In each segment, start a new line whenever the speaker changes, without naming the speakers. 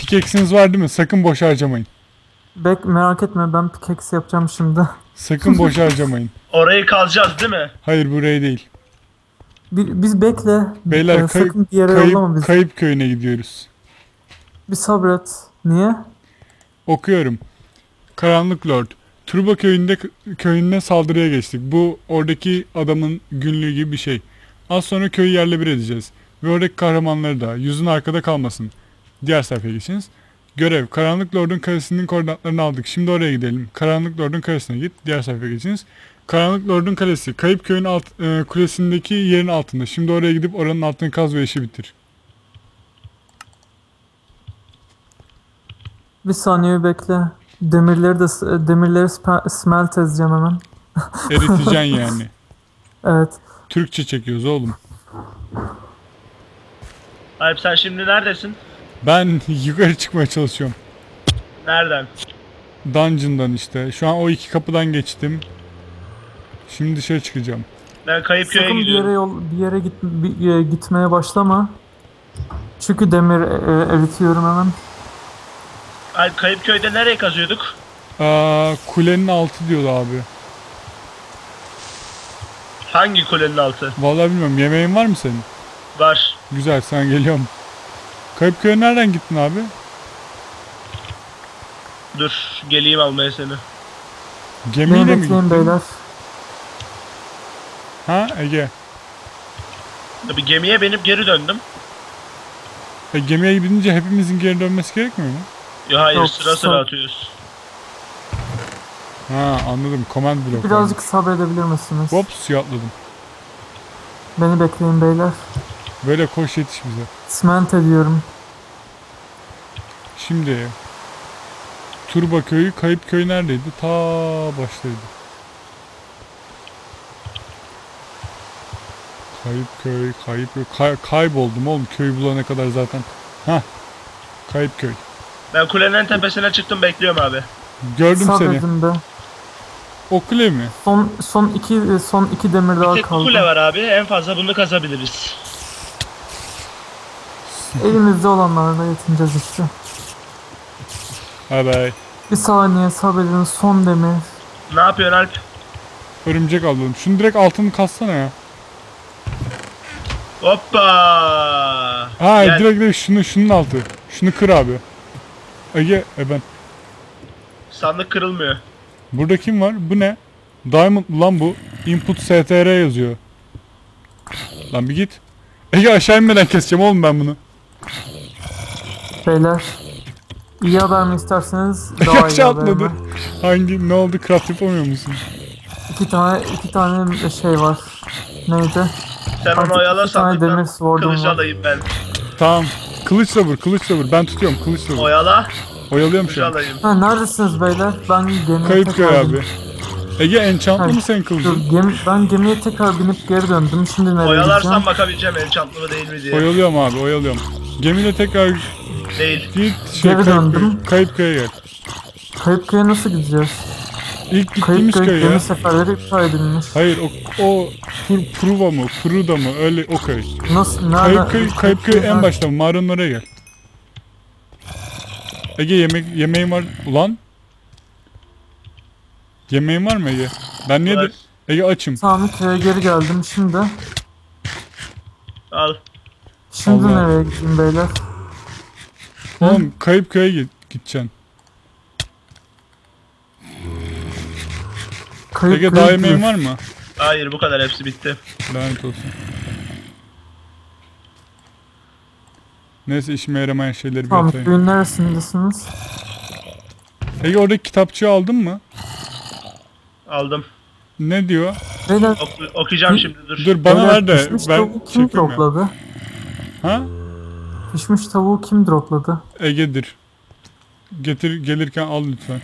Pickaxe'iniz var değil mi? Sakın boş harcamayın.
Merak etme, ben pickaxe yapacağım şimdi.
Sakın boş harcamayın.
Orayı kazacağız değil mi?
Hayır, burayı değil.
Biz bekle.
Beyler
Sakın bir yere yollama bizi.
Kayıp köyüne gidiyoruz.
Bir sabret. Niye?
Okuyorum. Karanlık Lord. Turba köyüne saldırıya geçtik. Bu oradaki adamın günlüğü gibi bir şey. Az sonra köyü yerle bir edeceğiz. Ve oradaki kahramanları da. Yüzün arkada kalmasın. Diğer sayfaya geçiniz. Görev. Karanlık Lord'un kalesinin koordinatlarını aldık. Şimdi oraya gidelim. Karanlık Lord'un kalesine git. Diğer sayfaya geçiniz. Karanlık Lord'un kalesi. Kayıp köyün kulesindeki yerin altında. Şimdi oraya gidip oranın altını kaz ve işi bitir.
Bir saniye bekle. Demirleri smelt edeceğim hemen.
Eriteceksin yani.
Evet.
Türkçe çekiyoruz oğlum.
Alp sen şimdi neredesin?
Ben yukarı çıkmaya çalışıyorum.
Nereden?
Dungeon'dan işte. Şu an o iki kapıdan geçtim. Şimdi dışarı çıkacağım.
Ben kayıp köye
Sakın
gidiyorum.
bir yere gitmeye başlama. Çünkü demir eritiyorum hemen.
Alp kayıp köyde nereye kazıyorduk?
Kulenin altı diyordu abi.
Hangi kulenin altı?
Vallahi bilmiyorum. Yemeğin var mı senin?
Var.
Güzel, sen geliyorum. Kayıp köye nereden gittin abi?
Dur geleyim almaya seni.
Gemiyle mi
Bekleyin
gittin?
beyler.
Ha Ege?
Tabii gemiye binip geri döndüm.
Gemiye gidince hepimizin geri dönmesi gerekmiyor mu?
Yo hayır,
Yok,
sıra sıra atıyoruz.
Ha anladım. Command block.
Birazcık sabredebilir misiniz?
Hop, suya atladım.
Beni bekleyin beyler.
Böyle koş, yetiş bize.
Cement ediyorum.
Şimdi Turba köyü, kayıp köy neredeydi? Ta baştaydı. Kayıp köy. Kayboldum oğlum köyü bulana kadar zaten. Hah. Kayıp köy.
Ben kulenin tepesine çıktım, bekliyorum abi.
Gördüm seni.
Sabredin be.
O kule mi?
Son iki demir daha
Tek bir
kaldı.
kule var abi, en fazla bunu kazabiliriz.
Elimizde olanlarla yetineceğiz işte.
Bye bye.
Bir saniye sabredin, son demir.
Ne yapıyorsun Alp?
Örümcek avladım. Şunu direkt altını kassana ya.
Hoppa!
Ha
Gel.
direkt şunun altı. Şunu kır abi. Ege ben.
Sandık kırılmıyor.
Burada kim var? Bu ne? Diamond lan bu. Input str yazıyor. Lan bir git. Ege aşağı inmeden keseceğim oğlum ben bunu.
Beyler. İyi haber mi isterseniz daha iyi
Aşağı
haber mi?
atladı. Hangi ne oldu? Craft yapamıyor musun?
İki tane şey var. Neydi?
Sen
Artık
onu oyala,
iki tane demir
sandıktan
sword'um
kılıç
var.
alayım ben.
Tamam. Kılıçla vur. Ben tutuyorum kılıçla vur.
Oyala,
Oyalıyorum
kılıç
şu an.
alayım.
Ha, neredesiniz beyler? Ben gemiye
Kayıp köy
tekrar
abi. Ege enchantlı mı senin
Dur,
kılıcın?
ben gemiye tekrar binip geri döndüm. Şimdi nereye
Oyalarsan
gideceğim?
bakabileceğim enchantlı mı değil mi diye.
Oyalıyorum abi, oyalıyorum. Gemiyle tekrar
Değil.
git
Geri döndüm.
Kayıp köye gel.
Kayıp köye nasıl gideceğiz?
İlk
Kayıp
gittiğimiz
köy
köy ya.
gemi seferleri iptal edilmiş.
Hayır o Pruva mı? Pruda mı? Öyle o köy.
Nasıl? Nerede?
Kayıp köy en başta mı? Mağaranın oraya gel. Ege yemeğin var. Ulan. Yemeğin var mı Ege? Ben niye de...
Var.
Ege açım.
Tamam, köye geri geldim şimdi.
Al.
Şimdi
Allah.
nereye gideyim beyler?
Oğlum kayıp köye gideceksin.
Kayıp
Ege
köye
daha yemeğin
gidiyoruz.
var mı?
Hayır, bu kadar, hepsi bitti.
Lanet olsun. Neyse işime yaramayan şeyleri bir
Tamam,
atayım.
köyün neresindesiniz?
Ege oradaki kitapçığı aldın mı?
Aldım.
Ne diyor?
Beyler,
Okuyacağım şimdi, dur.
Dur bana
beyler,
ver de
pişmiş
ben
tavuğu kim
çekeyim ya.
dropladı?
Ha?
Pişmiş tavuğu kim dropladı?
Ege'dir. Gelirken al lütfen.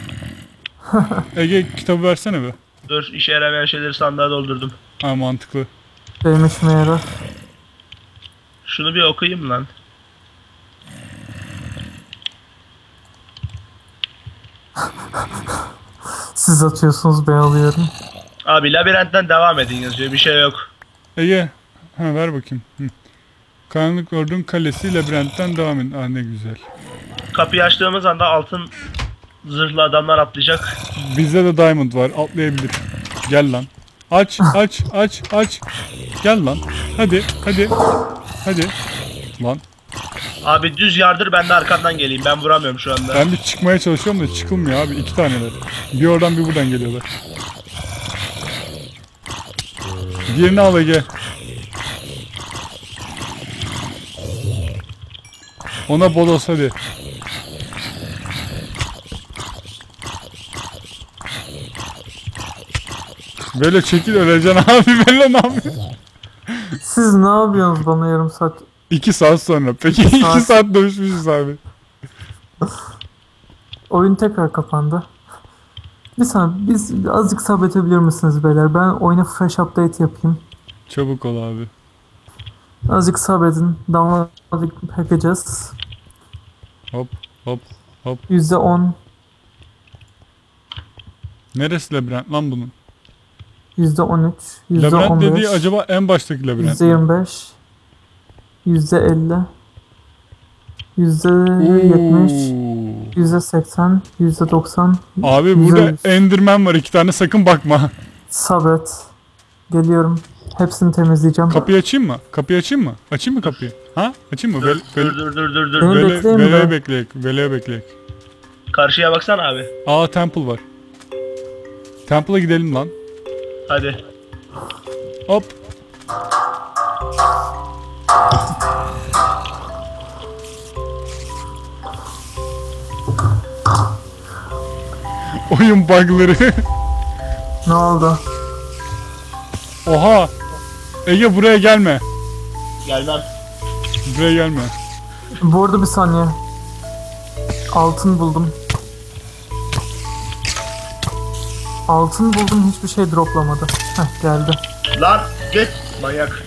Ege kitabı versene be.
Dur, işe yaramayan şeyleri sandığa doldurdum.
Ha mantıklı.
Benim işime yarar.
Şunu bir okuyayım lan.
Siz atıyorsunuz, ben alıyorum.
Abi labirentten devam edin yazıyor, bir şey yok.
Ege. Ha ver bakayım. Karanlık Lord'un kalesi labirentten devam edin. Ah ne güzel.
Kapıyı açtığımız anda altın zırhlı adamlar atlayacak.
Bizde de diamond var. Atlayabilir. Gel lan. Aç. Gel lan. Hadi. Lan.
Abi düz yardır, ben de arkandan geleyim. Ben vuramıyorum şu anda.
Ben bir çıkmaya çalışıyorum da çıkılmıyor abi. 2 taneler. Bir oradan bir buradan geliyorlar. Diğerini al Ege. Ona bolos hadi. Böyle çekil, öleceksin abi. Böyle ne yapıyorsun?
Siz ne yapıyorsunuz bana yarım saat?
2 saat sonra. Peki 2 saat dövüşmüşüz abi.
Oyun tekrar kapandı. Bir saniye, biz azıcık sabredebilir misiniz beyler? Ben oyuna fresh update yapayım.
Çabuk ol abi.
Azıcık sabredin. Download yapacağız.
Hop.
%10,
Neresi labirent lan bunun?
%13,
Labirent dediği
%15,
acaba en baştaki labirent mi?
%25, %50, %70,
Oo.
%80, %90.
Abi burada Enderman var 2 tane, sakın bakma.
Sabret. Geliyorum. Hepsini temizleyeceğim.
Kapıyı açayım mı? Açayım mı kapıyı? Ha? Açayım mı?
Dur.
Beni bekleyin de.
Vele'ye bekleyek.
Karşıya baksana abi.
Aa, temple var. Temple'a gidelim lan.
Hadi.
Hop. Oyun bug'ları.
Ne oldu?
Oha. Ege buraya gelme.
Gelmem.
Buraya gelme.
Bu arada bir saniye. Altın buldum. Hiçbir şey droplamadı. Heh, geldi.
Lan git manyak.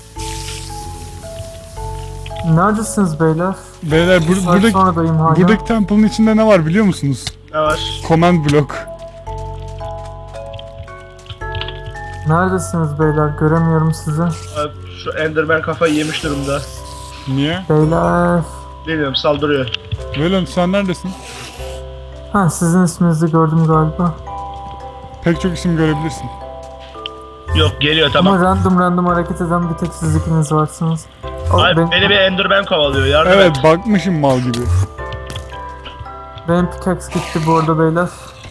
Neredesiniz beyler?
Beyler
Saat sonradayım hala.
buradaki temple'ın içinde ne var biliyor musunuz?
Ne var?
Command block.
Neredesiniz beyler? Göremiyorum sizi.
Abi, şu Enderman kafayı yemiş durumda.
Niye?
Beyler.
Bilmiyorum, saldırıyor.
Velon sen neredesin?
Ha, sizin isminizi gördüm galiba.
Pek çok isim görebilirsin.
Yok, geliyor tamam.
Ama random hareket eden bir tek siz ikiniz varsınız.
Abi, beni bir Enderman kovalıyor, yardım
Evet,
et.
bakmışım mal gibi.
Benim pickaxe gitti bu arada beyler.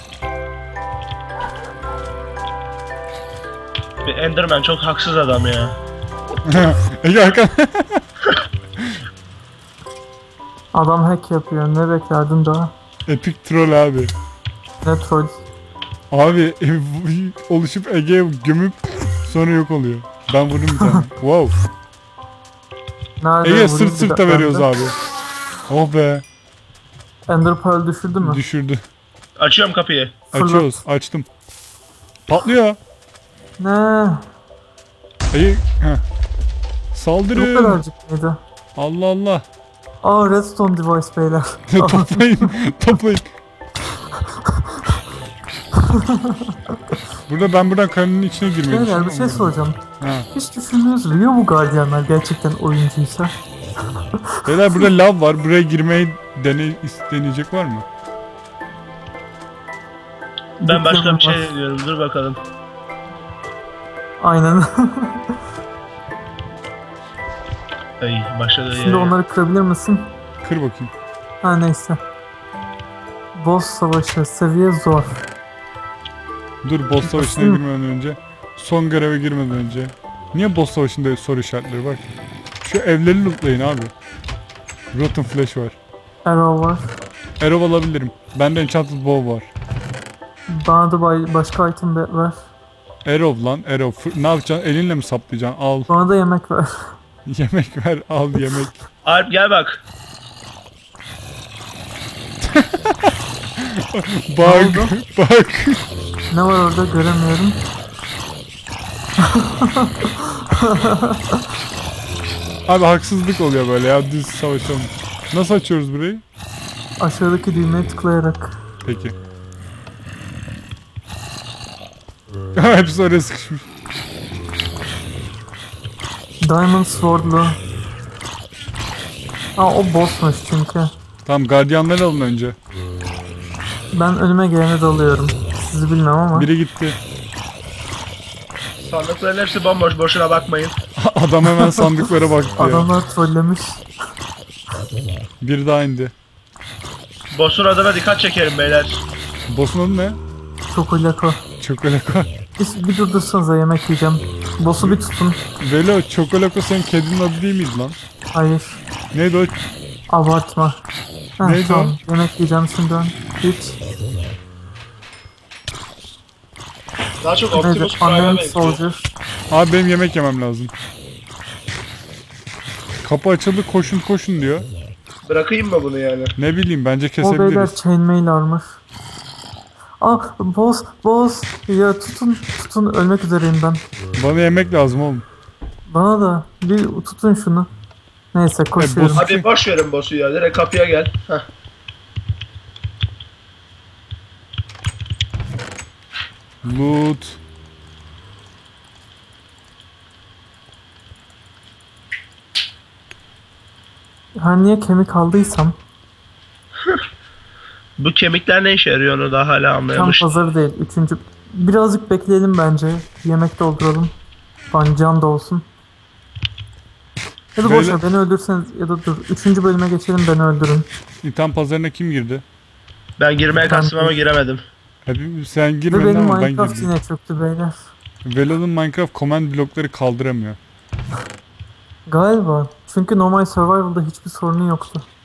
Bir Enderman çok haksız adam ya.
Ege arkan.
Adam hack yapıyor. Ne beklerdin daha?
Epic troll abi.
Ne troll.
Abi oluşup Ege'ye gömüp sonra yok oluyor. Ben vurdum bir tane. Wow.
Nerede
Ege
vurayım
sırt
bir
sırta
dakika
veriyoruz
bende?
abi. Oh be.
Ender Pearl düşürdü mü?
Düşürdü.
Açıyorum kapıyı.
Fırlat.
Açıyoruz. Açtım. Patlıyor.
Ne?
Ege. Heh.
Bu
Saldırın.
kadarcık mıydı?
Allah Allah.
Aa, redstone device beyler.
Toplayın. Ben buradan karenin içine girmeyi
Beyler bir
düşünüyorum.
şey soracağım.
Ha.
Hiç düşündünüz mü? Ya bu gardiyanlar gerçekten oyuncuysa?
Beyler burada lav var. Buraya girmeyi deneyecek var mı?
Ben başka bir şey
Var.
diyorum, dur bakalım.
Aynen.
Ay, başladı
Şimdi
ya.
onları kırabilir misin?
Kır bakayım.
Ha, neyse. Boss savaşı seviye zor.
Dur, boss savaşına girmeden önce. Son göreve girmeden önce. Niye boss savaşında soru işaretleri bak. Şu evleri lootlayın abi. Rotten Flesh var.
Arrow var.
Arrow alabilirim. Bende Enchanted Bow var.
Bana da başka item ver.
Arrow lan, arrow. Ne yapacaksın? Elinle mi saplayacaksın? Al.
Bana da yemek ver.
Yemek ver, al yemek.
Alp gel bak.
Bak.
Ne var orada göremiyorum.
Abi haksızlık oluyor böyle ya, düz savaşalım. Nasıl açıyoruz burayı?
Aşağıdaki düğmeye tıklayarak.
Peki. Hepsi oraya sıkışmış.
Diamond Sword'lu. Aa, o bossmuş çünkü.
Tamam, gardiyanları alın önce.
Ben önüme gelene dalıyorum. Sizi bilmem ama.
Biri gitti.
Sandıkların hepsi bomboş, boşuna bakmayın.
Adam hemen sandıklara baktı ya.
Adamlar trollemiş.
Bir daha indi.
Boss'un adına dikkat çekerim beyler.
Boss'un adı ne?
Çokolako.
Çokolako.
Bir durdursanıza, yemek yiyeceğim. Boss'u bir tutun.
Velo, Çokolako senin kedinin adı değil miydi lan?
Hayır.
Neydi o?
Abartma. Heh,
Neydi
tamam. Yemek yiyeceğim şimdi ben. Hiç.
Daha çok
Neydi?
Optimus Prime'a
Unnamed
benziyor.
Soldier.
Abi benim yemek yemem lazım. Kapı açıldı, koşun koşun diyor.
Bırakayım mı bunu yani?
Ne bileyim, bence
O beyler
kesebiliriz.
chainmail armor. Boss. Ya tutun, ölmek üzereyim ben.
Bana yemek lazım oğlum.
Bana da bir tutun şunu. Neyse koşuyorum.
boss-
Abi boş verin boss'u ya. Direkt kapıya gel. Heh.
Loot.
Her niye kemik aldıysam
Bu kemikler ne işe yarıyor onu da hala
tam
anlayamamış.
pazarı değil. Üçüncü. Birazcık bekleyelim bence. Yemek dolduralım. Falan can da olsun. Ya da boş
Böyle-
ver, beni öldürseniz ya da dur. Üçüncü bölüme geçelim, beni öldürün.
İtham pazarına kim girdi?
Ben girmeye
Ben-
kastım ama giremedim.
Hadi sen
Ve
girmedin
benim
ama ben
Minecraft
girdim.
yine çöktü beyler.
Velo'nun Minecraft command blokları kaldıramıyor.
Galiba. Çünkü normal survival'da hiçbir sorunu yoktu.